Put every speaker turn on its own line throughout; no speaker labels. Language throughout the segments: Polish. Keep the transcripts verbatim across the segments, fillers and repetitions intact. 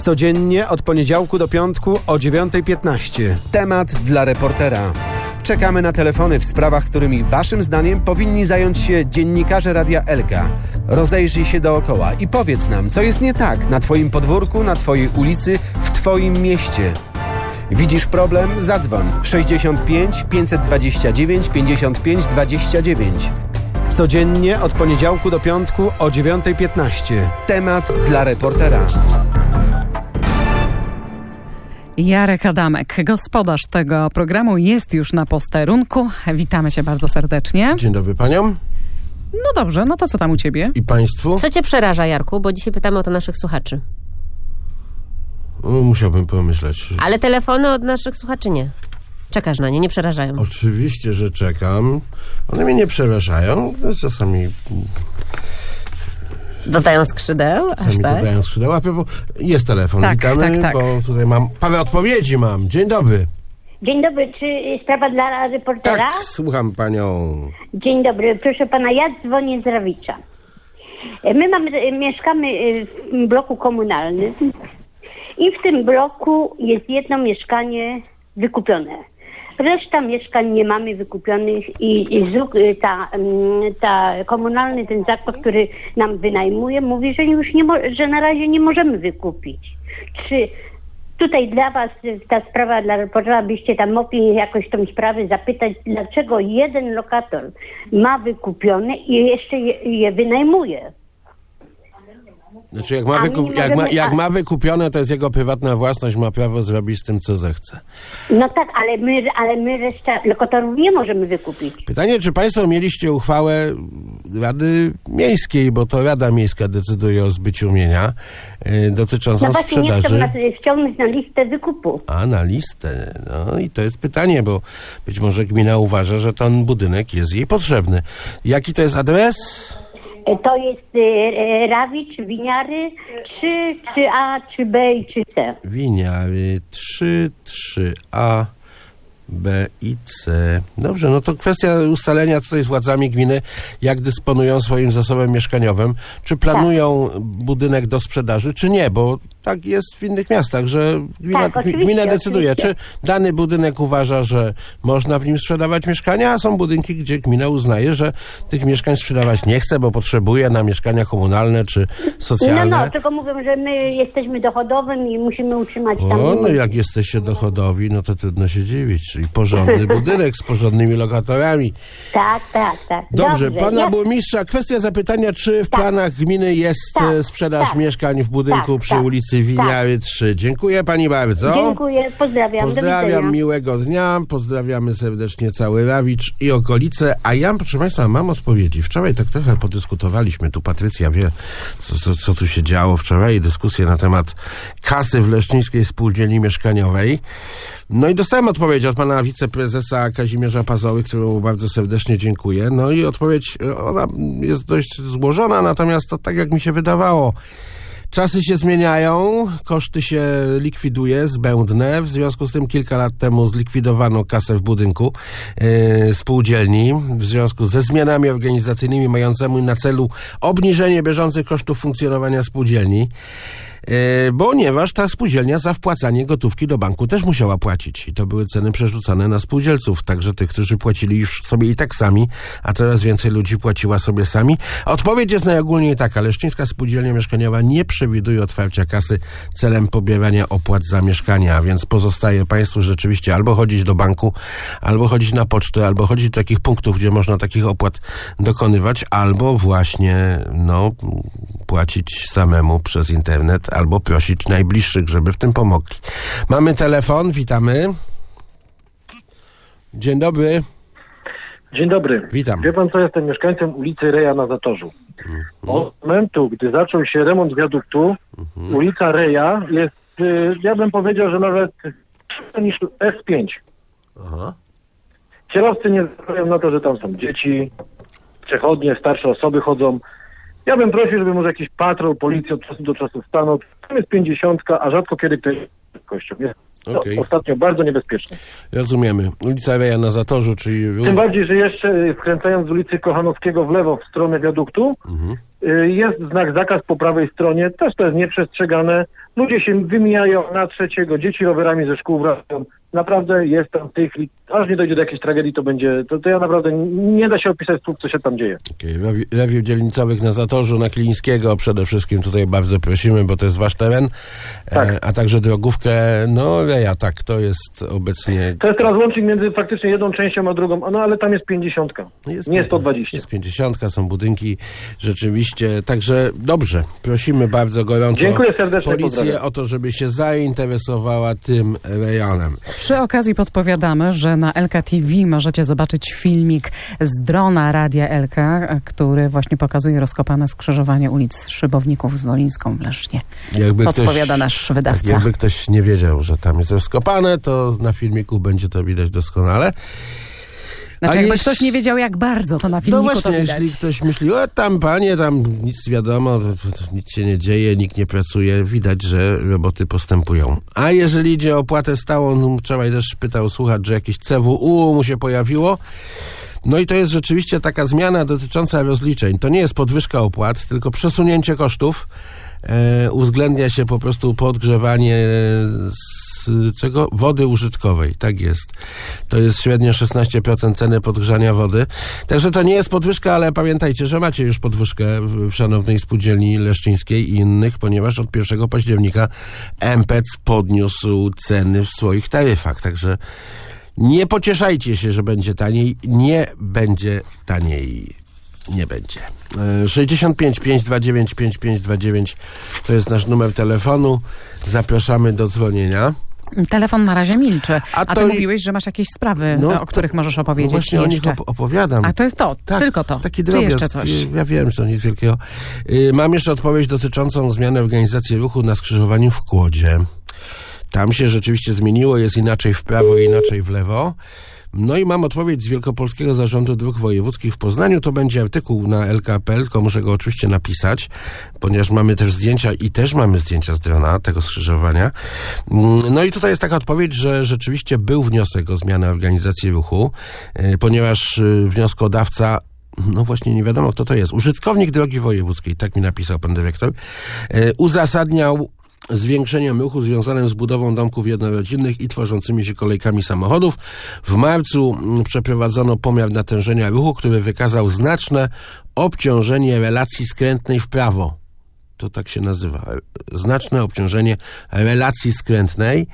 Codziennie od poniedziałku do piątku o dziewiąta piętnaście. Temat dla reportera. Czekamy na telefony w sprawach, którymi waszym zdaniem powinni zająć się dziennikarze Radia Elka. Rozejrzyj się dookoła i powiedz nam, co jest nie tak na twoim podwórku, na twojej ulicy, w twoim mieście. Widzisz problem? Zadzwoń sześćdziesiąt pięć pięćset dwadzieścia dziewięć pięćdziesiąt pięć dwadzieścia dziewięć. Codziennie od poniedziałku do piątku o dziewiąta piętnaście. Temat dla reportera.
Jarek Adamek, gospodarz tego programu, jest już na posterunku. Witamy się bardzo serdecznie.
Dzień dobry paniom.
No dobrze, no to co tam u ciebie?
I państwu?
Co cię przeraża, Jarku? Bo dzisiaj pytamy o to naszych słuchaczy.
No, musiałbym pomyśleć.
Ale telefony od naszych słuchaczy nie. Czekasz na nie, nie przerażają.
Oczywiście, że czekam. One mnie nie przerażają. Czasami...
Dodają skrzydeł? Aż
Czasami
tak?
dodają skrzydeła. Jest telefon.
Tak,
Witamy,
tak, tak.
bo tutaj mam... Parę odpowiedzi mam. Dzień dobry.
Dzień dobry, czy sprawa dla reportera?
Tak, słucham panią.
Dzień dobry, proszę pana, ja dzwonię z Rawicza. My mamy, mieszkamy w bloku komunalnym i w tym bloku jest jedno mieszkanie wykupione. Reszta mieszkań nie mamy wykupionych i, i z, ta, ta komunalny, ten zakład, który nam wynajmuje, mówi, że już nie, mo- że na razie nie możemy wykupić. Czy tutaj dla was ta sprawa, dla reportera, byście tam mogli jakoś tą sprawę zapytać, dlaczego jeden lokator ma wykupione i jeszcze je, je wynajmuje?
Znaczy jak ma,
A my
wykup...
nie
jak, ma,
możemy-
jak
a-
ma wykupione, to jest jego prywatna własność, ma prawo zrobić z tym, co zechce.
No tak, ale my, ale my reszta lokatorów nie możemy wykupić.
Pytanie, czy państwo mieliście uchwałę Rady Miejskiej, bo to Rada Miejska decyduje o zbyciu mienia, yy, dotyczącą
No właśnie nie chcą
sprzedaży.
nas wciągnąć na listę wykupu.
A, na listę. No i to jest pytanie, bo być może gmina uważa, że ten budynek jest jej potrzebny. Jaki to jest adres?
To jest y, Rawicz, Winiary, trzy, trzy A, trzy B i trzy C.
Winiary trzy, trzy A, B i C. Dobrze, no to kwestia ustalenia tutaj z władzami gminy, jak dysponują swoim zasobem mieszkaniowym. Czy planują tak. budynek do sprzedaży, czy nie, bo tak jest w innych miastach, że gmina,
Tak, oczywiście,
gmina decyduje,
oczywiście.
czy dany budynek uważa, że można w nim sprzedawać mieszkania, a są budynki, gdzie gmina uznaje, że tych mieszkań sprzedawać nie chce, bo potrzebuje na mieszkania komunalne czy socjalne.
No, no, tylko mówią, że my jesteśmy dochodowym i musimy utrzymać tam...
O, no jak jesteście dochodowi, no to trudno się dziwić. Czyli porządny budynek z porządnymi lokatorami.
Tak, tak, tak.
Dobrze,
Dobrze.
pana
ja...
burmistrza, kwestia zapytania, czy w
Tak.
planach gminy jest
Tak,
e, sprzedaż
tak.
mieszkań w budynku
Tak,
przy
tak,
ulicy Winiary trzy. Dziękuję pani bardzo.
Dziękuję, pozdrawiam. Do
Pozdrawiam,
widzenia.
miłego dnia, pozdrawiamy serdecznie cały Rawicz i okolice. A ja, proszę państwa, mam odpowiedzi. Wczoraj tak trochę podyskutowaliśmy, tu Patrycja wie, co, co, co tu się działo wczoraj, dyskusję na temat kasy w Leszczyńskiej Spółdzielni Mieszkaniowej. No i dostałem odpowiedź od pana wiceprezesa Kazimierza Pazoły, którą bardzo serdecznie dziękuję. No i odpowiedź, ona jest dość złożona, natomiast to tak jak mi się wydawało. Czasy się zmieniają, koszty się likwiduje, zbędne. W związku z tym kilka lat temu zlikwidowano kasę w budynku yy, spółdzielni w związku ze zmianami organizacyjnymi mającymi na celu obniżenie bieżących kosztów funkcjonowania spółdzielni. Yy, ponieważ ta spółdzielnia za wpłacanie gotówki do banku też musiała płacić i to były ceny przerzucane na spółdzielców, także tych, którzy płacili już sobie i tak sami, a coraz więcej ludzi płaciła sobie sami. Odpowiedź jest najogólniej taka: Leszczyńska Spółdzielnia Mieszkaniowa nie przewiduje otwarcia kasy celem pobierania opłat za mieszkania, więc pozostaje państwu rzeczywiście albo chodzić do banku, albo chodzić na pocztę, albo chodzić do takich punktów, gdzie można takich opłat dokonywać, albo właśnie no płacić samemu przez internet, albo prosić najbliższych, żeby w tym pomogli. Mamy telefon, witamy. Dzień dobry.
Dzień dobry.
Witam.
Wie pan co, jestem mieszkańcem ulicy Reja na Zatorzu. Mhm. Od momentu, gdy zaczął się remont wiaduktu, mhm. ulica Reja jest, ja bym powiedział, że nawet niż S pięć.
Aha.
Kierowcy nie zważają na to, że tam są dzieci, przechodnie, starsze osoby chodzą. Ja bym prosił, żeby może jakiś patrol, policja od czasu do czasu stanął. Tam jest pięćdziesiątka, a rzadko kiedy ktoś jest kością. Jest to
okay.
ostatnio bardzo niebezpieczne.
Rozumiemy. Ulica Reja na Zatorzu, czyli...
Tym bardziej, że jeszcze skręcając z ulicy Kochanowskiego w lewo w stronę wiaduktu, mhm. jest znak zakaz po prawej stronie. Też to jest nieprzestrzegane. Ludzie się wymijają na trzeciego, dzieci rowerami ze szkół wracają. Naprawdę jest tam tych, aż nie dojdzie do jakiejś tragedii, to będzie, to, to ja naprawdę nie da się opisać słów, co się tam dzieje.
Okay. Rewił dzielnicowych na Zatorzu, na Kilińskiego przede wszystkim tutaj bardzo prosimy, bo to jest wasz teren,
Tak.
e, a także drogówkę, no ja tak, to jest obecnie...
To jest teraz łącznik między faktycznie jedną częścią a drugą, no ale tam jest pięćdziesiątka,
Jest
nie sto dwadzieścia.
Jest pięćdziesiątka, są budynki rzeczywiście, także dobrze, prosimy bardzo gorąco
Dziękuję serdecznie,
policję
pozdrawiam.
o to, żeby się zainteresowała tym rejonem.
Przy okazji podpowiadamy, że na Elka T V możecie zobaczyć filmik z drona Radia Elka, który właśnie pokazuje rozkopane skrzyżowanie ulic Szybowników z Wolińską w Lesznie.
Jakby
Podpowiada
ktoś,
nasz wydawca.
Jakby ktoś nie wiedział, że tam jest rozkopane, to na filmiku będzie to widać doskonale.
Znaczy,
A
jakby
jeśli-
ktoś nie wiedział, jak bardzo, to na filmiku
No właśnie,
to widać.
jeśli ktoś myśli, o tam panie, tam nic wiadomo, to, to nic się nie dzieje, nikt nie pracuje, widać, że roboty postępują. A jeżeli idzie o opłatę stałą, no, wczoraj też pytał słuchacz, że jakieś C W U mu się pojawiło. No i to jest rzeczywiście taka zmiana dotycząca rozliczeń. To nie jest podwyżka opłat, tylko przesunięcie kosztów. E, uwzględnia się po prostu podgrzewanie z czego? Wody użytkowej, tak jest. To jest średnio szesnaście procent ceny podgrzania wody. Także to nie jest podwyżka, ale pamiętajcie, że macie już podwyżkę w, w szanownej spółdzielni leszczyńskiej i innych, ponieważ od pierwszego października M P E C podniósł ceny w swoich taryfach. Także nie pocieszajcie się, że będzie taniej. Nie będzie taniej. Nie będzie. sześćdziesiąt pięć pięćset dwadzieścia dziewięć pięćdziesiąt pięć dwadzieścia dziewięć to jest nasz numer telefonu. Zapraszamy do dzwonienia.
Telefon na razie milczy.
A
A,
to
ty
i-
mówiłeś, że masz jakieś sprawy,
No,
o których możesz opowiedzieć
No właśnie o nich
jeszcze.
op- opowiadam.
A to jest to,
Tak,
tylko to.
Taki
Czy
drobiazg.
jeszcze coś?
Ja wiem, że to nic wielkiego. Yy, Mam jeszcze odpowiedź dotyczącą zmiany organizacji ruchu na skrzyżowaniu w Kłodzie. Tam się rzeczywiście zmieniło, jest inaczej w prawo i inaczej w lewo. No i mam odpowiedź z Wielkopolskiego Zarządu Dróg Wojewódzkich w Poznaniu. To będzie artykuł na L K kropka P L, tylko muszę go oczywiście napisać, ponieważ mamy też zdjęcia i też mamy zdjęcia z drona tego skrzyżowania. No i tutaj jest taka odpowiedź, że rzeczywiście był wniosek o zmianę organizacji ruchu, yy, ponieważ yy, wnioskodawca, no właśnie nie wiadomo kto to jest, użytkownik drogi wojewódzkiej, tak mi napisał pan dyrektor, yy, uzasadniał zwiększeniem ruchu związanym z budową domków jednorodzinnych i tworzącymi się kolejkami samochodów. W marcu mm, przeprowadzono pomiar natężenia ruchu, który wykazał znaczne obciążenie relacji skrętnej w prawo. To tak się nazywa. Znaczne obciążenie relacji skrętnej.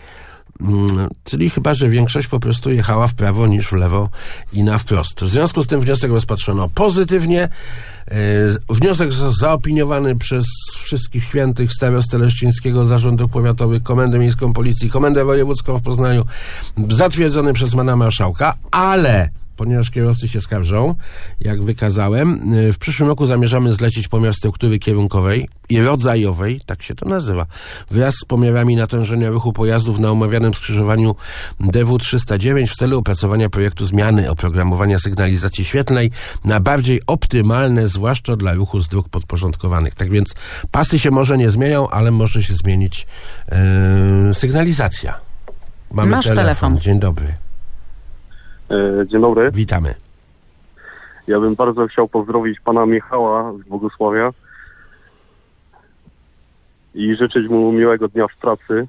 Mm, czyli chyba, że większość po prostu jechała w prawo niż w lewo i na wprost. W związku z tym wniosek rozpatrzono pozytywnie. E, wniosek został zaopiniowany przez wszystkich świętych, starostę Leszczyńskiego, Zarząd Dróg Powiatowych, Komendę Miejską Policji, Komendę Wojewódzką w Poznaniu, zatwierdzony przez pana marszałka, ale ponieważ kierowcy się skarżą, jak wykazałem, w przyszłym roku zamierzamy zlecić pomiar struktury kierunkowej i rodzajowej, tak się to nazywa, wraz z pomiarami natężenia ruchu pojazdów na omawianym skrzyżowaniu D W trzysta dziewięć w celu opracowania projektu zmiany oprogramowania sygnalizacji świetlnej na bardziej optymalne, zwłaszcza dla ruchu z dróg podporządkowanych. Tak więc pasy się może nie zmienią, ale może się zmienić yy, sygnalizacja. Mamy
Masz telefon.
Dzień dobry.
Dzień dobry.
Witamy.
Ja bym bardzo chciał pozdrowić pana Michała z Bogusławia i życzyć mu miłego dnia w pracy.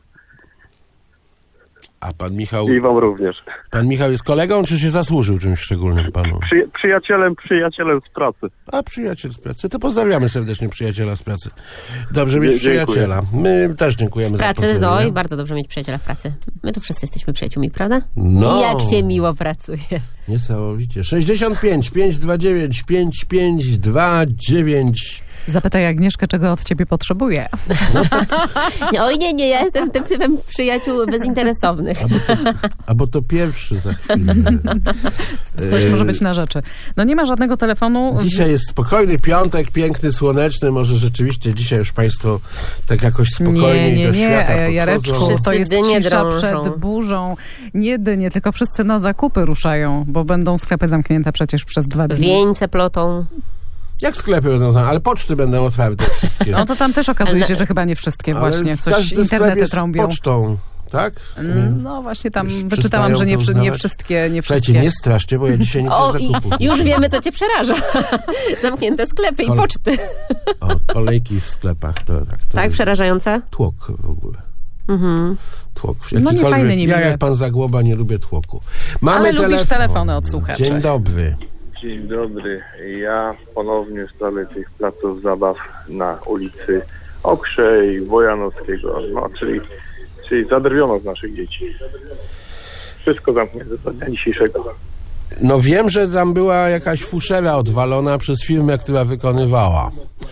A pan Michał,
I wam również.
pan Michał jest kolegą, czy się zasłużył czymś szczególnym panu?
Przy, przyjacielem, przyjacielem z pracy.
A przyjaciel z pracy. To pozdrawiamy serdecznie przyjaciela z pracy. Dobrze mieć
Dzie- dziękuję.
przyjaciela. My też dziękujemy
W
za
pracy, no
pozdrowienia.
i bardzo dobrze mieć przyjaciela w pracy. My tu wszyscy jesteśmy przyjaciółmi, prawda?
No.
I jak się miło pracuje.
Niesamowicie. sześćdziesiąt pięć pięćset dwadzieścia dziewięć pięćdziesiąt pięć dwadzieścia dziewięć.
Zapytaj Agnieszkę, czego od ciebie potrzebuje.
Nie, oj nie, nie, ja jestem tym typem przyjaciół bezinteresownych.
Albo to, albo to pierwszy za chwilę.
Coś
E,
może być na rzeczy. No nie ma żadnego telefonu.
Dzisiaj jest spokojny piątek, piękny, słoneczny. Może rzeczywiście dzisiaj już państwo tak jakoś spokojniej
Nie, nie,
do
nie,
świata
e, Jareczku,
podchodzą.
to jest
dynie
cisza
drążą.
przed burzą. Nie dynie, tylko wszyscy na zakupy ruszają, bo będą sklepy zamknięte przecież przez dwa dni.
Wieńce plotą.
Jak sklepy będą zamknięte, ale poczty będą otwarte wszystkie.
No to tam też okazuje się, że chyba nie wszystkie
Ale
właśnie.
w
Coś
każdym sklep
internety
jest
trąbią.
pocztą. tak?
No właśnie tam
Już
wyczytałam, że nie,
przestają to
nie
uznawać?
wszystkie, nie
Słuchajcie,
wszystkie.
nie straszcie, bo ja dzisiaj nie
O,
chcę
i
zakupów.
już wiemy, co cię przeraża. Zamknięte sklepy i
Ale-
poczty.
O, kolejki w sklepach, to tak. To
Tak,
jest
przerażające?
tłok w ogóle.
Mhm.
Tłok.
No nie
Jakikolwiek-
fajne, nie
Ja
miłe.
jak pan Zagłoba nie lubię tłoku. Mamy
Ale lubisz
telefon.
telefony od słuchaczy.
Dzień dobry.
Dzień dobry. Ja ponownie w sprawie tych placów zabaw na ulicy Okrzej, Wojanowskiego, no czyli, czyli zadrwiono z naszych dzieci. Wszystko zamknięte do dnia dzisiejszego.
No wiem, że tam była jakaś fuszera odwalona przez firmę, która wykonywała.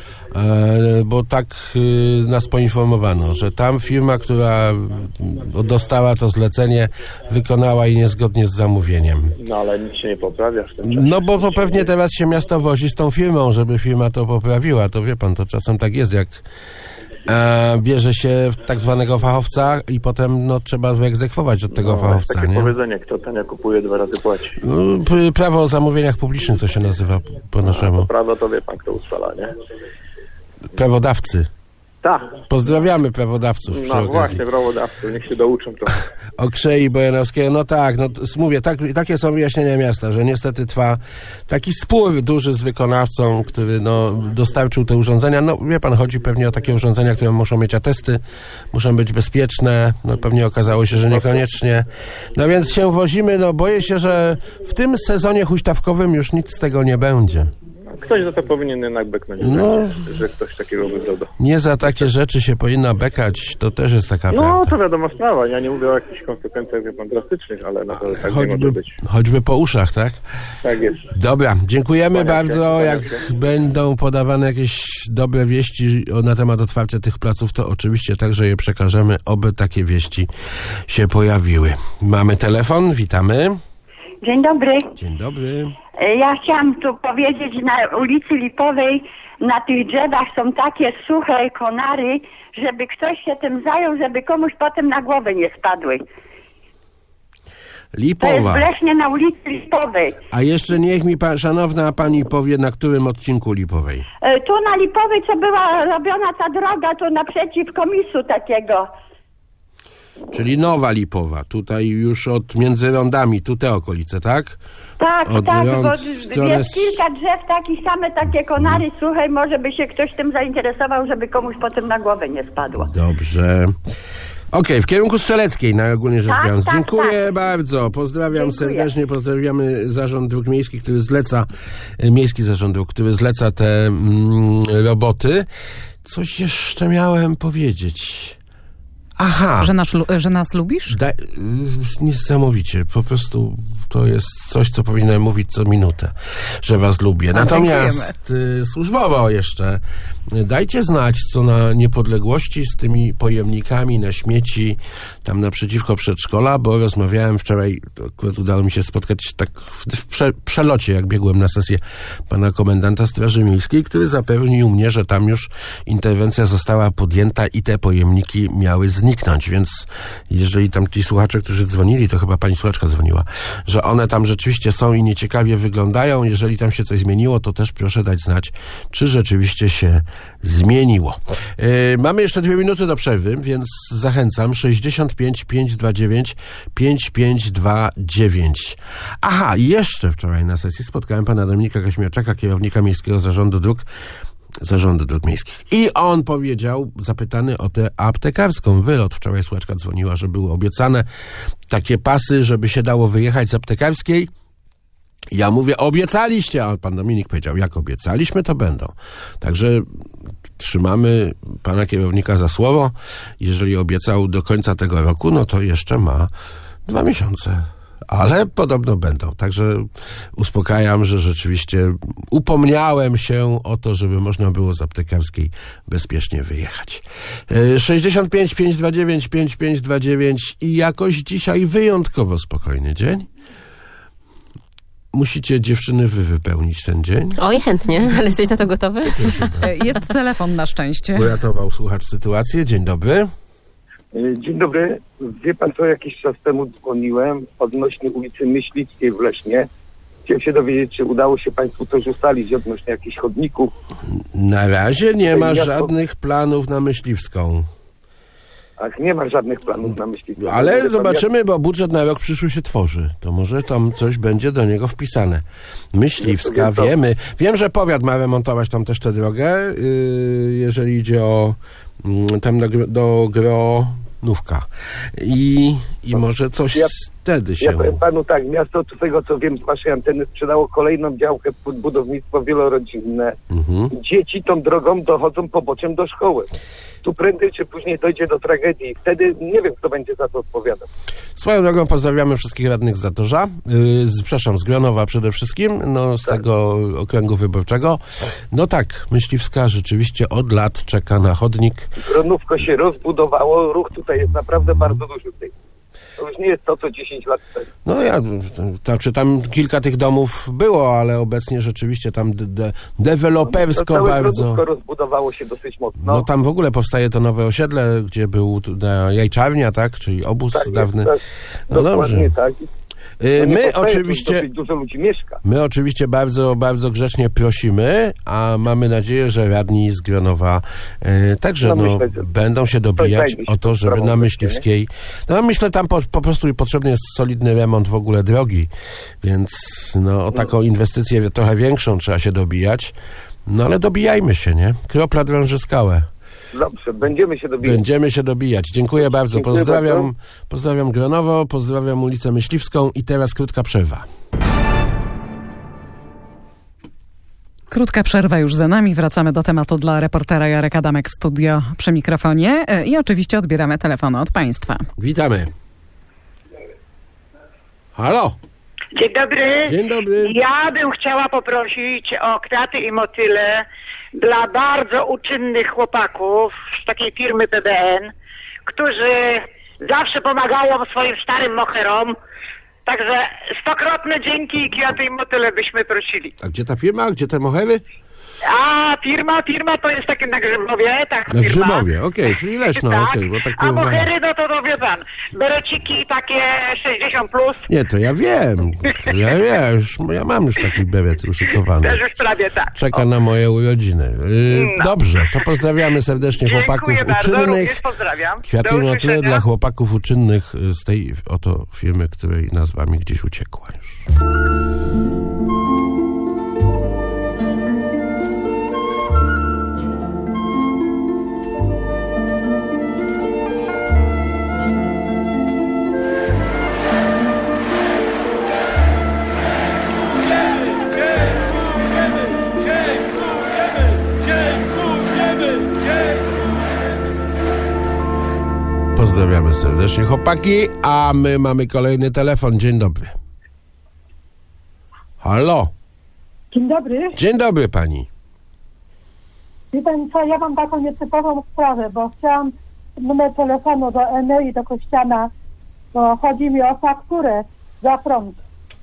E, bo tak y, nas poinformowano, że tam firma, która y, dostała to zlecenie, wykonała je niezgodnie z zamówieniem.
No ale nic się nie poprawia w tym czasie.
No bo to pewnie teraz się miasto wozi z tą firmą, żeby firma to poprawiła. To wie pan, to czasem tak jest, jak e, bierze się tak zwanego fachowca i potem no, trzeba wyegzekwować od tego
No, jest
fachowca,
takie
nie?
powiedzenie, kto tania kupuje, dwa razy płaci.
No, p- prawo o zamówieniach publicznych to się nazywa po naszemu.
Prawo to wie pan, kto ustala, nie?
Prawodawcy.
Tak.
Pozdrawiamy prawodawców przy
No
okazji.
właśnie, prawodawców, niech się douczą trochę.
Okrzei Bojanowskiego, no tak, no t- mówię, tak, takie są wyjaśnienia miasta, że niestety trwa taki spór duży z wykonawcą, który no dostarczył te urządzenia. No wie pan, chodzi pewnie o takie urządzenia, które muszą mieć atesty, muszą być bezpieczne, no pewnie okazało się, że niekoniecznie. No więc się wozimy, no boję się, że w tym sezonie huśtawkowym już nic z tego nie będzie.
Ktoś za to powinien jednak beknąć,
No.
że, że ktoś takiego wygląda.
Nie za takie rzeczy się powinna bekać, to też jest taka
No,
prawda.
to wiadoma sprawa. Ja nie mówię o jakichś konsekwencjach, wie pan, drastycznych, ale na to tak nie może
Choćby,
być.
choćby po uszach, tak?
Tak jest.
Dobra, dziękujemy
Kłaniam się,
bardzo.
kłaniam
Jak
się.
będą podawane jakieś dobre wieści o- na temat otwarcia tych placów, to oczywiście także je przekażemy, oby takie wieści się pojawiły. Mamy telefon, witamy.
Dzień dobry.
Dzień dobry.
E, Ja chciałam tu powiedzieć, że na ulicy Lipowej na tych drzewach są takie suche konary, żeby ktoś się tym zajął, żeby komuś potem na głowę nie spadły. To jest
Lipowa.
w Lesznie na ulicy Lipowej.
A jeszcze niech mi pa, szanowna pani powie, na którym odcinku Lipowej.
E, Tu na Lipowej, co była robiona ta droga, tu naprzeciw komisu takiego.
Czyli Nowa Lipowa. Tutaj już od między rondami, tu te okolice, tak?
Tak,
Od
tak,
rąk
bo
w stronę
jest kilka drzew takich, same takie konary suche, może by się ktoś tym zainteresował, żeby komuś potem na głowę nie spadło.
Dobrze. Okej, w kierunku Strzeleckiej, najogólniej rzecz
Tak,
biorąc.
tak,
Dziękuję
tak.
bardzo. Pozdrawiam
Dziękuję.
serdecznie. Pozdrawiamy Zarząd Dróg Miejskich, który zleca, e, Miejski Zarząd Dróg, który zleca te mm, roboty. Coś jeszcze miałem powiedzieć. Aha.
Że, nasz, lu- że nas lubisz?
Da, y, niesamowicie. Po prostu to jest coś, co powinienem mówić co minutę, że was lubię. Natomiast y, służbowo jeszcze y, dajcie znać, co na niepodległości z tymi pojemnikami na śmieci tam naprzeciwko przedszkola, bo rozmawiałem wczoraj, to akurat udało mi się spotkać tak w, w prze, przelocie, jak biegłem na sesję pana komendanta Straży Miejskiej, który zapewnił mnie, że tam już interwencja została podjęta i te pojemniki miały zniknąć, więc jeżeli tam ci słuchacze, którzy dzwonili, to chyba pani słuchaczka dzwoniła, że one tam rzeczywiście są i nieciekawie wyglądają, jeżeli tam się coś zmieniło, to też proszę dać znać, czy rzeczywiście się zmieniło. Yy, mamy jeszcze dwie minuty do przerwy, więc zachęcam. sześćdziesiąt pięć pięćset dwadzieścia dziewięć pięćdziesiąt pięć dwadzieścia dziewięć. Aha, i jeszcze wczoraj na sesji spotkałem pana Dominika Kaźmierczaka, kierownika Miejskiego Zarządu Dróg, Zarządu Dróg Miejskich. I on powiedział, zapytany o tę aptekarską wylot. Wczoraj słuchaczka dzwoniła, że były obiecane takie pasy, żeby się dało wyjechać z aptekarskiej. Ja mówię, obiecaliście, a pan Dominik powiedział, jak obiecaliśmy, to będą. Także trzymamy pana kierownika za słowo. Jeżeli obiecał do końca tego roku, no to jeszcze ma dwa miesiące. Ale podobno będą. Także uspokajam, że rzeczywiście upomniałem się o to, żeby można było z aptekarskiej bezpiecznie wyjechać. sześćdziesiąt pięć pięćset dwadzieścia dziewięć pięćdziesiąt pięć dwadzieścia dziewięć i jakoś dzisiaj wyjątkowo spokojny dzień. Musicie, dziewczyny, wy wypełnić ten dzień.
Oj, chętnie, ale jesteś na to gotowy?
E, Jest telefon na szczęście.
Uratował słuchacz sytuację. Dzień dobry.
Dzień dobry. Wie pan co, jakiś czas temu dzwoniłem odnośnie ulicy Myślickiej w Lesznie. Chciałem się dowiedzieć, czy udało się państwu coś ustalić odnośnie jakichś chodników.
Na razie nie ma
Ja to-
żadnych planów na Myśliwską.
Ach, nie ma żadnych planów na myśliwca.
Ale zobaczymy, bo budżet na rok przyszły się tworzy. To może tam coś będzie do niego wpisane. Myśliwska, wiemy. Wiem, że powiat ma remontować tam też tę drogę, yy, jeżeli idzie o yy, tam do, do Gronówka. I, i może coś
Ja-
wtedy się...
Ja powiem panu tak, miasto, z tego co wiem z waszej anteny, sprzedało kolejną działkę pod budownictwo wielorodzinne.
Mhm.
Dzieci tą drogą dochodzą poboczem do szkoły. Tu prędzej czy później dojdzie do tragedii. Wtedy nie wiem, kto będzie za to odpowiadał.
Swoją drogą pozdrawiamy wszystkich radnych z Zatorza, yy, z, przepraszam, z Gronowa przede wszystkim, no z
Tak.
tego okręgu wyborczego. No tak, Myśliwska rzeczywiście od lat czeka na chodnik.
Gronówko się rozbudowało, ruch tutaj jest naprawdę bardzo duży w tej. To już nie jest to, co dziesięć lat temu.
No ja, to, czy tam kilka tych domów było, ale obecnie rzeczywiście tam de, de, dewelopersko
To całe
bardzo.
Gronówko rozbudowało się dosyć mocno.
No tam w ogóle powstaje to nowe osiedle, gdzie był tu- na Jajczarnia, tak? Czyli obóz
tak,
dawny.
Jest, tak,
No
dokładnie
dobrze.
tak.
Yy,
To nie
My
powstaje, tu
oczywiście...
dosyć dużo ludzi mieszka.
My oczywiście bardzo, bardzo grzecznie prosimy, a mamy nadzieję, że radni z Gronowa e, także
No,
no,
myślę, że
będą się dobijać
znajdzie się
o to,
tą
żeby
sprawą
na
wreszcie,
Myśliwskiej... No myślę, tam po, po prostu potrzebny jest solidny remont w ogóle drogi, więc no, o taką inwestycję trochę większą trzeba się dobijać. No ale dobijajmy się, nie? Kropla drąży skałę.
Dobrze, będziemy się dobijać.
Będziemy się dobijać. Dziękuję bardzo.
Dziękuję
Pozdrawiam,
bardzo.
pozdrawiam Gronowo, pozdrawiam ulicę Myśliwską i teraz krótka przerwa.
Krótka przerwa już za nami. Wracamy do tematu dla reportera Jarek Adamek w studio przy mikrofonie e, i oczywiście odbieramy telefony od Państwa.
Witamy. Halo.
Dzień dobry.
Dzień dobry.
Ja bym chciała poprosić o kwiaty i motyle dla bardzo uczynnych chłopaków z takiej firmy P B N, którzy zawsze pomagają swoim starym moherom. Także stokrotne dzięki i kwiaty i motyle byśmy prosili.
A gdzie ta firma? Gdzie te mohery?
A firma, firma to jest takie na Grzybowie, tak
Na
firma.
Grzybowie, okej, czyli Leszno,
tak.
okej, bo tak
A
to-
mohery, no to, to wie pan, bereciki takie sześćdziesiąt plus,
Nie, to ja wiem. To ja wiem, już, ja mam już taki beret uszykowany.
też już prawie tak.
Czeka na moje urodziny. Yy,
No.
Dobrze, to pozdrawiamy serdecznie chłopaków
Dziękuję bardzo,
uczynnych.
również pozdrawiam.
Kwiaty
Do
i motyle
usłyszenia.
dla chłopaków uczynnych z tej oto firmy, której nazwa mi gdzieś uciekła już. Pozdrawiamy serdecznie chłopaki, a my mamy kolejny telefon. Dzień dobry. Halo.
Dzień dobry.
Dzień dobry pani.
Wie pan co, ja mam taką nietypową sprawę, bo chciałam numer telefonu do Enei, do Kościana, bo chodzi mi o fakturę za prąd.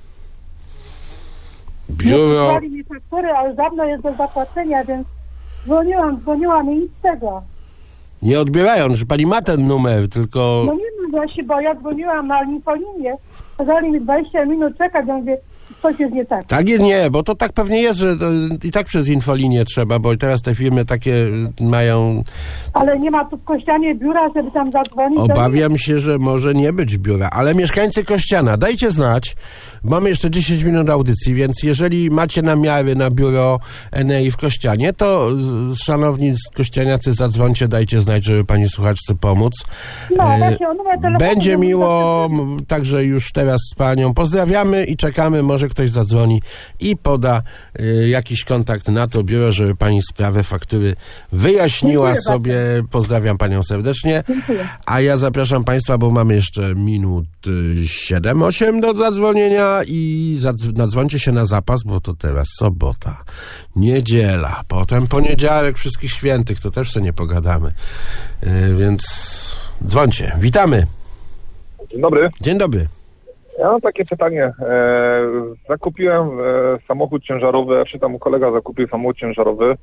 Nie
Biuro...
przysłali mi faktury, ale dawno jest do zapłacenia, więc dzwoniłam, dzwoniłam i nic z tego.
Nie odbierają, że pani ma ten numer, tylko...
No nie wiem właśnie, bo ja dzwoniłam na infolinię, kazali mi dwadzieścia minut czekać, ja mówię, coś jest nie tak.
Tak jest, nie, bo to tak pewnie jest, że to i tak przez infolinię trzeba, bo teraz te firmy takie mają...
Ale nie ma tu w Kościanie biura, żeby tam zadzwonić.
Obawiam się, że może nie być biura, ale mieszkańcy Kościana, dajcie znać. Mamy jeszcze dziesięć minut audycji, więc jeżeli macie namiary na biuro Enei w Kościanie, to z- szanowni z kościaniacy zadzwońcie, dajcie znać, żeby pani słuchaczce pomóc.
No,
E,
właśnie, o numer telefonu
Będzie
nie mogę
miło, m, także już teraz z panią pozdrawiamy i czekamy, może ktoś zadzwoni i poda y, jakiś kontakt na to biuro, żeby pani sprawę faktury wyjaśniła
Dziękuję
sobie. Pozdrawiam panią serdecznie.
Dziękuję.
A ja zapraszam państwa, bo mamy jeszcze minut y, siedem osiem do zadzwonienia i zadz- nadzwońcie się na zapas, bo to teraz sobota, niedziela, potem poniedziałek wszystkich świętych, to też sobie nie pogadamy. Y, więc dzwońcie. Witamy.
Dzień dobry.
Dzień dobry.
Ja mam takie pytanie. E, zakupiłem e, samochód ciężarowy, czy tam kolega zakupił samochód ciężarowy e,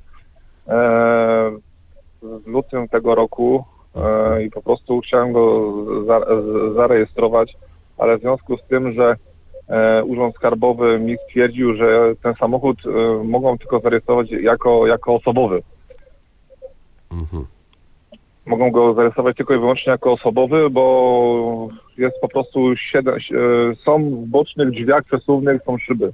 w lutym tego roku e, i po prostu chciałem go za, z, zarejestrować, ale w związku z tym, że e, Urząd Skarbowy mi stwierdził, że ten samochód e, mogą tylko zarejestrować jako, jako osobowy.
Mhm.
mogą go zarejestrować tylko i wyłącznie jako osobowy, bo jest po prostu siedem, są w bocznych drzwiach przesuwnych, są szyby.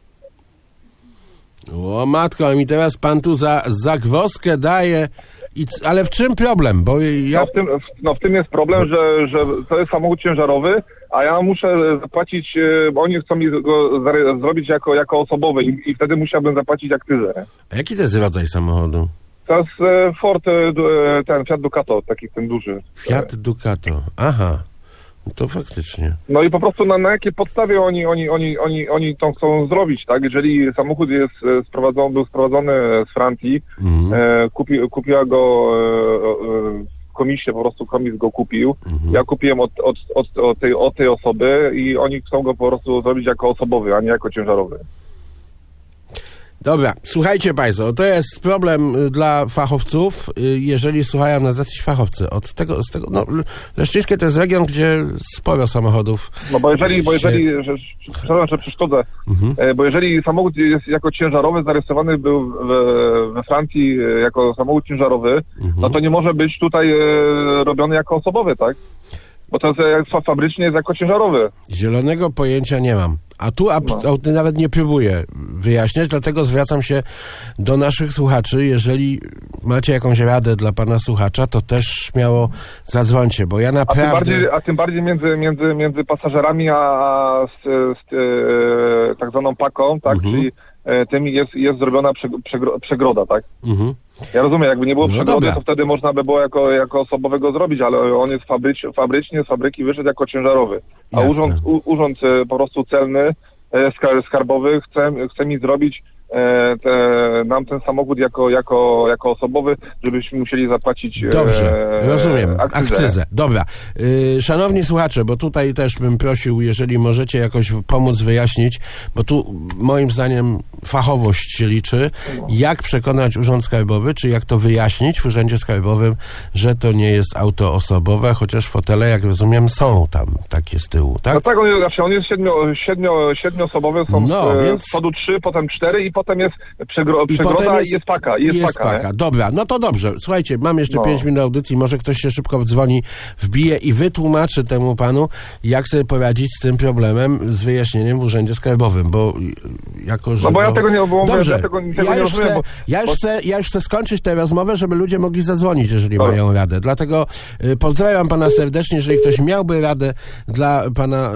O matko, a mi teraz pan tu za zagwozdkę daje. I c- ale w czym problem? Bo ja...
no, w tym, no w tym jest problem, że, że to jest samochód ciężarowy, a ja muszę zapłacić, bo oni chcą mi go zare- zrobić jako, jako osobowy i, i wtedy musiałbym zapłacić akcyzę.
A jaki to jest rodzaj samochodu?
To jest e, Ford, e, ten Fiat Ducato, taki ten duży.
Fiat Ducato, aha. No to faktycznie.
No i po prostu na, na jakiej podstawie oni, oni, oni, oni, oni to chcą zrobić, tak? Jeżeli samochód jest sprowadzony, był sprowadzony z Francji, mhm. e, kupi, kupiła go e, e, komisja, po prostu komis go kupił. Mhm. Ja kupiłem od, od, od, od, tej, od tej osoby i oni chcą go po prostu zrobić jako osobowy, a nie jako ciężarowy.
Dobra, słuchajcie państwo, to jest problem dla fachowców, jeżeli słuchają nas jacyś fachowcy. Od tego, z tego, no, Leszczyńskie to jest region, gdzie sporo samochodów.
No bo jeżeli,
się...
bo jeżeli, że, przepraszam, że przeszkodzę, mhm. bo jeżeli samochód jest jako ciężarowy, zarejestrowany był we, we Francji jako samochód ciężarowy, mhm. no to nie może być tutaj e, robiony jako osobowy, tak? Bo to jest fabrycznie jest jako ciężarowy.
Zielonego pojęcia nie mam. A tu a, no. a, nawet nie próbuję wyjaśniać, dlatego zwracam się do naszych słuchaczy. Jeżeli macie jakąś radę dla pana słuchacza, to też śmiało zadzwońcie, bo ja naprawdę...
A tym bardziej, a tym bardziej między, między, między pasażerami a z, z, z e, tak zwaną paką, tak, mhm. czyli e, tym jest, jest zrobiona przegro, przegroda, tak? Mhm. Ja rozumiem, jakby nie było no przegrody, dobra. To wtedy można by było jako, jako osobowego zrobić, ale on jest fabryc, fabrycznie z fabryki wyszedł jako ciężarowy. A Jasne. urząd, u, urząd po prostu celny, skarbowy chce, chce mi zrobić e, te, nam ten samochód jako, jako, jako osobowy, żebyśmy musieli zapłacić
Dobrze,
e,
rozumiem,
akcyzę.
akcyzę. Dobra. Yy, szanowni słuchacze, bo tutaj też bym prosił, jeżeli możecie jakoś pomóc wyjaśnić, bo tu moim zdaniem fachowość się liczy, jak przekonać Urząd Skarbowy, czy jak to wyjaśnić w Urzędzie Skarbowym, że to nie jest auto osobowe, chociaż fotele, jak rozumiem, są tam takie z tyłu, tak?
No tak, on jest, on jest siedmio, siedmio, siedmioosobowy, są
no,
z,
więc...
z przodu trzy, potem cztery i potem jest przegro, I przegroda potem jest, i jest paka. I jest,
jest
paka,
paka. Dobra, no to dobrze. Słuchajcie, mam jeszcze no. pięć minut audycji, może ktoś się szybko dzwoni, wbije i wytłumaczy temu panu, jak sobie poradzić z tym problemem, z wyjaśnieniem w Urzędzie Skarbowym, bo jako, że...
No bo ja tego nie było,
Dobrze,
ja tego, tego
ja,
nie
już
rozumiem,
chcę,
bo,
ja, już
bo...
chcę, ja już chcę skończyć tę rozmowę, żeby ludzie mogli zadzwonić, jeżeli Dobra. mają radę. Dlatego y, pozdrawiam pana serdecznie, jeżeli ktoś miałby radę dla pana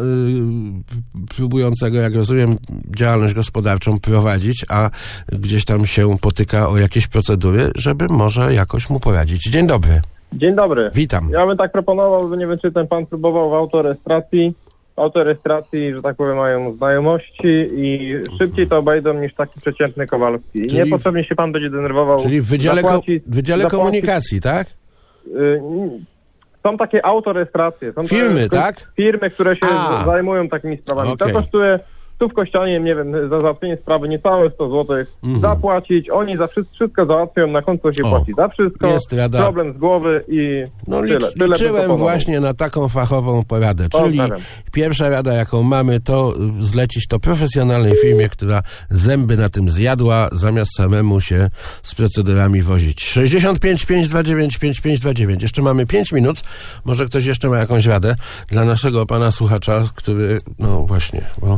y, próbującego, jak rozumiem, działalność gospodarczą prowadzić, a gdzieś tam się potyka o jakieś procedury, żeby może jakoś mu poradzić. Dzień dobry.
Dzień dobry.
Witam.
Ja bym tak proponował, że nie wiem, czy ten pan próbował w autorejestracji. W autorejestracji, że tak powiem, mają znajomości i szybciej to obejdą niż taki przeciętny Kowalski.
Czyli,
niepotrzebnie się pan będzie denerwował.
Czyli w Wydziale,
zapłacić,
ko- wydziale
zapłacić,
Komunikacji, tak?
Y, są takie autorejestracje. Są
firmy,
te,
tak?
Firmy, które się
A.
zajmują takimi sprawami.
Okay.
To kosztuje tu w Kościanie, nie wiem, za załatwienie sprawy niecałe sto złotych, mm. zapłacić, oni za wszystko, wszystko załatwią, na końcu się o, płaci za wszystko,
jest rada.
Problem z głowy i
no,
tyle.
Licz,
tyle
liczyłem właśnie na taką fachową poradę, czyli Pozdrawiam. Pierwsza rada, jaką mamy, to zlecić to profesjonalnej firmie, która zęby na tym zjadła, zamiast samemu się z procedurami wozić. sześćdziesiąt pięć pięćset dwadzieścia dziewięć pięćset dwadzieścia dziewięć. Jeszcze mamy pięć minut, może ktoś jeszcze ma jakąś radę dla naszego pana słuchacza, który, no właśnie, bo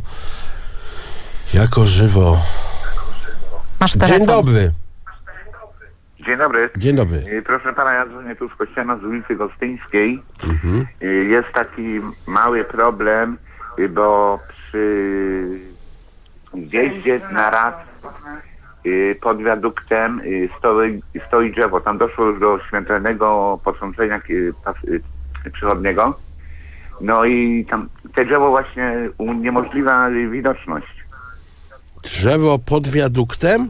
jako żywo.
Masz telefon.
Dzień dobry.
Dzień dobry.
Dzień dobry.
Proszę pana, ja dzwonię tu z Kościana z ulicy Gostyńskiej. Mhm. Jest taki mały problem, bo przy zjeździe na raz pod wiaduktem stoi, stoi drzewo. Tam doszło już do śmiertelnego potrącenia przychodniego. No i tam te drzewo właśnie uniemożliwia widoczność.
Drzewo pod wiaduktem?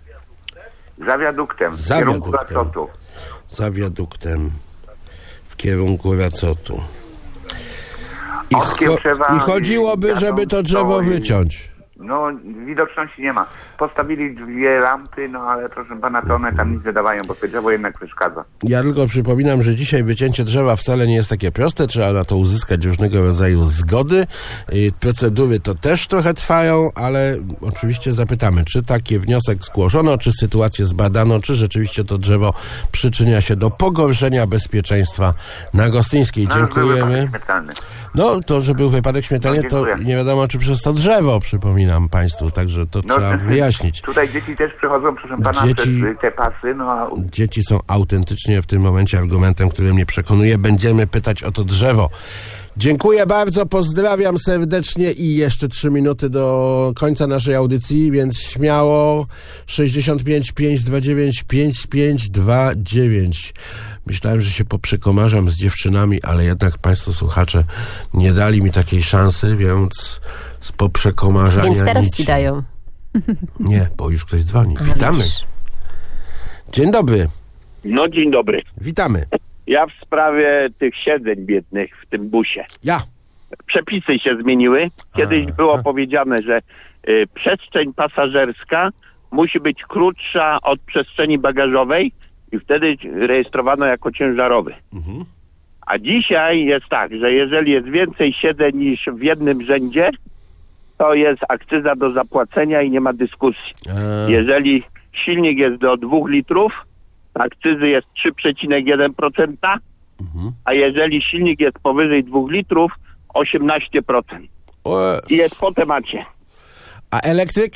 Za wiaduktem,
Za
w kierunku
wiaduktem.
Racotu.
Za wiaduktem w kierunku Racotu. I, cho- I chodziłoby, żeby to drzewo wyciąć.
No, widoczności nie ma. Postawili dwie lampy, no ale proszę pana, to one tam nic nie dawają, bo to drzewo jednak przeszkadza.
Ja tylko przypominam, że dzisiaj wycięcie drzewa wcale nie jest takie proste, trzeba na to uzyskać różnego rodzaju zgody. I procedury to też trochę trwają, ale oczywiście zapytamy, czy taki wniosek zgłoszono, czy sytuację zbadano, czy rzeczywiście to drzewo przyczynia się do pogorszenia bezpieczeństwa na Gostyńskiej.
No,
Dziękujemy. No, to, że był wypadek śmiertelny,
No,
to nie wiadomo, czy przez to drzewo, przypominam państwu, także to
No,
trzeba wyjaśnić.
Tutaj dzieci też przychodzą, proszę pana,
Dzieci-
przez te pasy, no a
Dzieci są autentycznie w tym momencie argumentem, który mnie przekonuje. Będziemy pytać o to drzewo. Dziękuję bardzo, pozdrawiam serdecznie i jeszcze trzy minuty do końca naszej audycji, więc śmiało sześćdziesiąt pięć pięćset dwadzieścia dziewięć pięćdziesiąt pięć dwadzieścia dziewięć. Myślałem, że się poprzekomarzam z dziewczynami, ale jednak państwo słuchacze nie dali mi takiej szansy, więc z poprzekomarzania
Więc teraz
nic.
ci dają.
Nie, bo już ktoś dzwoni.
A,
Witamy.
widzisz.
Dzień dobry.
No dzień dobry.
Witamy.
Ja w sprawie tych siedzeń biednych w tym busie.
Ja.
Przepisy się zmieniły. Kiedyś
A,
było
a.
powiedziane, że y, przestrzeń pasażerska musi być krótsza od przestrzeni bagażowej i wtedy rejestrowano jako ciężarowy.
Mhm.
A dzisiaj jest tak, że jeżeli jest więcej siedzeń niż w jednym rzędzie, to jest akcyza do zapłacenia i nie ma dyskusji.
A.
Jeżeli silnik jest do dwóch litrów, akcyzy jest trzy przecinek jeden procent,
Mhm.
a jeżeli silnik jest powyżej dwóch litrów, osiemnaście procent.
O,
I jest po temacie.
a elektryk?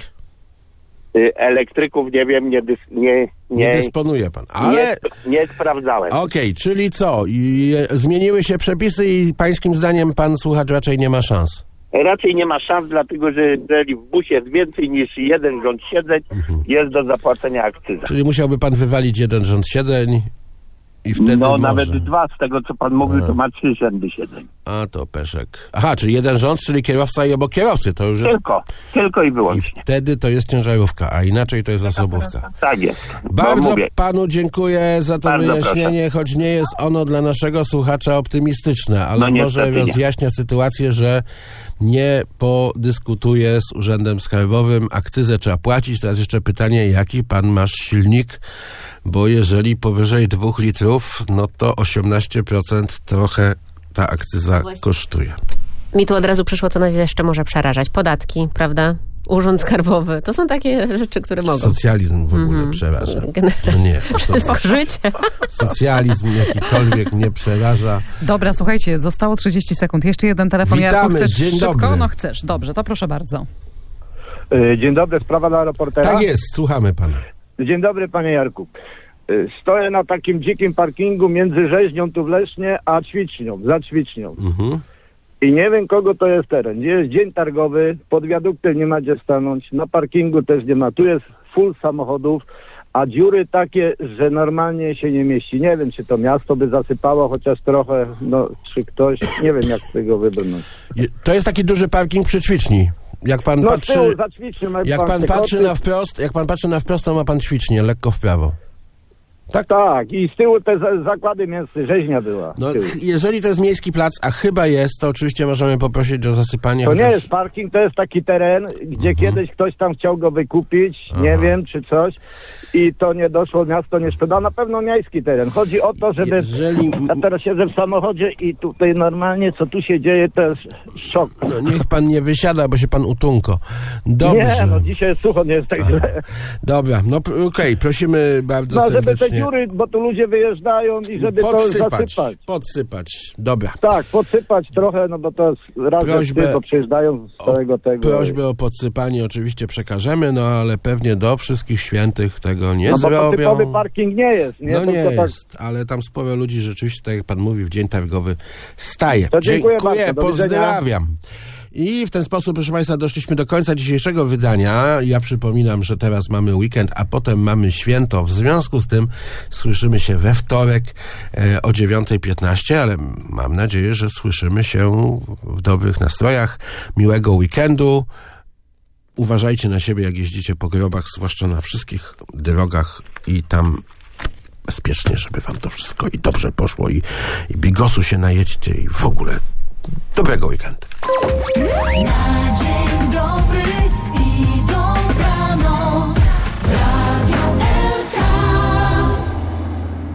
Y, Elektryków nie wiem, nie, dys, nie,
Nie,
nie,
dysponuje pan. Ale
nie, nie sprawdzałem.
okej, czyli co? I, e, zmieniły się przepisy i pańskim zdaniem pan słuchacz raczej nie ma szans.
Raczej nie ma szans, dlatego że jeżeli w busie jest więcej niż jeden rząd siedzeń, jest do zapłacenia akcyza.
Czyli musiałby pan wywalić jeden rząd siedzeń i wtedy
No
może.
nawet dwa, z tego co pan mówił,
A.
to ma trzy rzędy siedzeń.
A to peszek. Aha, czyli jeden rząd, czyli kierowca i obok kierowcy. To już jest...
Tylko, tylko i
I
wyłącznie.
wtedy to jest ciężarówka, a inaczej to jest osobówka.
Tak jest.
Bardzo
No, mówię.
panu dziękuję za to
Bardzo
wyjaśnienie, choć nie jest ono dla naszego słuchacza optymistyczne, ale
No
może
niestety nie.
rozjaśnia sytuację, że nie podyskutuje z Urzędem Skarbowym. Akcyzę trzeba płacić. Teraz jeszcze pytanie, jaki pan masz silnik? Bo jeżeli powyżej dwóch litrów, no to osiemnaście procent trochę ta akcyza
Właśnie.
kosztuje.
Mi tu od razu przyszło, co nas jeszcze może przerażać. Podatki, prawda? Urząd Skarbowy. To są takie rzeczy, które mogą.
Socjalizm w ogóle
Mhm.
przeraża.
Generalnie.
No nie.
Wszystko życie.
Socjalizm jakikolwiek mnie przeraża.
Dobra, słuchajcie, zostało trzydzieści sekund. Jeszcze jeden telefon.
Witamy,
Jarku, chcesz
dzień
szybko?
dobry.
No chcesz. Dobrze, to proszę bardzo.
Dzień dobry, sprawa dla reportera.
Tak jest, słuchamy pana.
Dzień dobry, panie Jarku. Y, Stoję na takim dzikim parkingu między Rzeźnią tu w Lesznie, a Ćwicznią, za Ćwicznią.
Mhm.
I nie wiem, kogo to jest teren. Gdzie jest dzień targowy, pod wiaduktem nie ma gdzie stanąć, na parkingu też nie ma. Tu jest full samochodów, a dziury takie, że normalnie się nie mieści. Nie wiem, czy to miasto by zasypało chociaż trochę, no, czy ktoś, nie wiem, jak z tego wybrnąć.
Je- To jest taki duży parking przy ćwiczni. Jak pan
No,
patrzy,
z tyłu, za Ćwicznią, ma
jak pan
te
patrzy
koty.
na wprost, jak pan patrzy na wprost, to ma pan ćwicznię, lekko w prawo.
Tak, tak. I z tyłu te za- zakłady mięsne, rzeźnia była.
No,
z tyłu.
ch- jeżeli to jest miejski plac, a chyba jest, to oczywiście możemy poprosić o zasypanie.
To nie
chociaż-
jest parking, to jest taki teren, gdzie
Mhm.
kiedyś ktoś tam chciał go wykupić, nie
Aha.
wiem, czy coś, i to nie doszło, miasto nie sprzeda, na pewno miejski teren. Chodzi o to, żeby...
Jeżeli-
Ja teraz siedzę w samochodzie i tutaj normalnie, co tu się dzieje, to jest szok.
No, niech pan nie wysiada, bo się pan utunko. Dobrze.
Nie, no dzisiaj jest sucho, nie jest tak źle.
Dobra, no p- okej, prosimy bardzo
No, żeby
serdecznie.
te dziury, bo tu ludzie wyjeżdżają i żeby to
podsypać,
zasypać.
podsypać. Dobra.
Tak, podsypać trochę, no bo to jest razem
Prośbę
z tym, bo przyjeżdżają z całego tego.
Prośbę o podsypanie oczywiście przekażemy, no ale pewnie do wszystkich świętych tego nie
No bo to
zrobią.
typowy parking nie jest, nie?
No
Tylko
nie
tak-
jest, ale tam sporo ludzi rzeczywiście, tak jak pan mówi, w dzień targowy staje.
To dziękuję bardzo, do widzenia.
pozdrawiam. I w ten sposób, proszę Państwa, doszliśmy do końca dzisiejszego wydania. Ja przypominam, że teraz mamy weekend, a potem mamy święto. W związku z tym słyszymy się we wtorek e, o dziewiąta piętnaście, ale mam nadzieję, że słyszymy się w dobrych nastrojach. Miłego weekendu. Uważajcie na siebie, jak jeździcie po grobach, zwłaszcza na wszystkich drogach i tam bezpiecznie, żeby wam to wszystko i dobrze poszło i, i bigosu się najedźcie i w ogóle dobrego weekendu.